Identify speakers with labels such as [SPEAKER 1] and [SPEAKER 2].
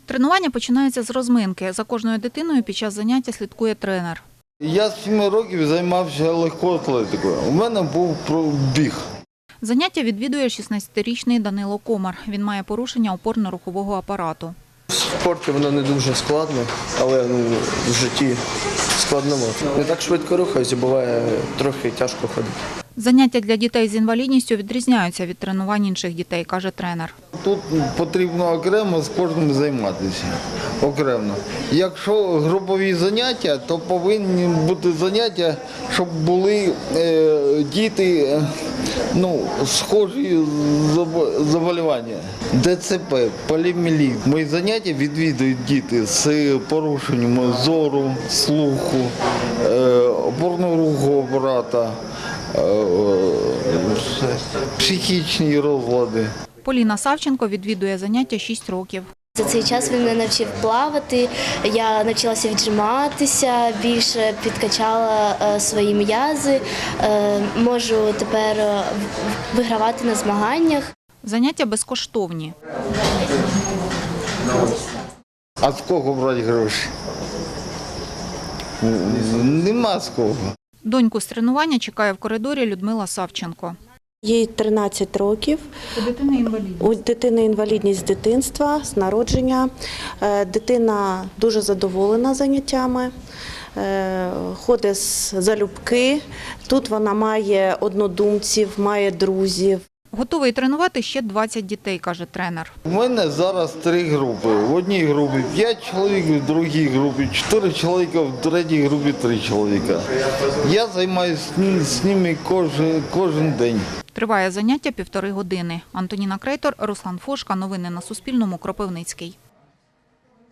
[SPEAKER 1] Тренування починаються з розминки. За кожною дитиною під час заняття слідкує тренер.
[SPEAKER 2] Я з 7 років займався легкою атлетикою. У мене був біг.
[SPEAKER 1] Заняття відвідує 16-річний Данило Комар. Він має порушення опорно-рухового апарату.
[SPEAKER 3] В спорті воно не дуже складно, але в житті складновато. Не так швидко рухаюся, буває трохи тяжко ходити.
[SPEAKER 1] Заняття для дітей з інвалідністю відрізняються від тренувань інших дітей, каже тренер.
[SPEAKER 2] Тут потрібно окремо з кожним займатися. Окремо. Якщо групові заняття, то повинні бути заняття, щоб були діти схожі заболівання. ДЦП, поліомієліт. Мої заняття відвідують діти з порушенням зору, слуху, опорно-рухового апарата, психічні розлади.
[SPEAKER 1] Поліна Савченко відвідує заняття 6 років.
[SPEAKER 4] За цей час він мене навчив плавати, я навчилася віджиматися, більше підкачала свої м'язи, можу тепер вигравати на змаганнях.
[SPEAKER 1] Заняття безкоштовні.
[SPEAKER 2] А з кого брати гроші? Нема з кого.
[SPEAKER 1] Доньку з тренування чекає в коридорі Людмила Савченко.
[SPEAKER 5] Їй 13 років. У дитини інвалідність з дитинства, з народження. Дитина дуже задоволена заняттями, ходить залюбки. Тут вона має однодумців, має друзів.
[SPEAKER 1] Готовий тренувати ще 20 дітей, каже тренер.
[SPEAKER 2] У мене зараз 3 групи. В одній групі 5 чоловік, в другій групі 4 чоловіка, в третій групі 3 чоловіка. Я займаюся з ними кожен день.
[SPEAKER 1] Триває заняття 1,5 години. Антоніна Крейтор, Руслан Фошка. Новини на Суспільному. Кропивницький.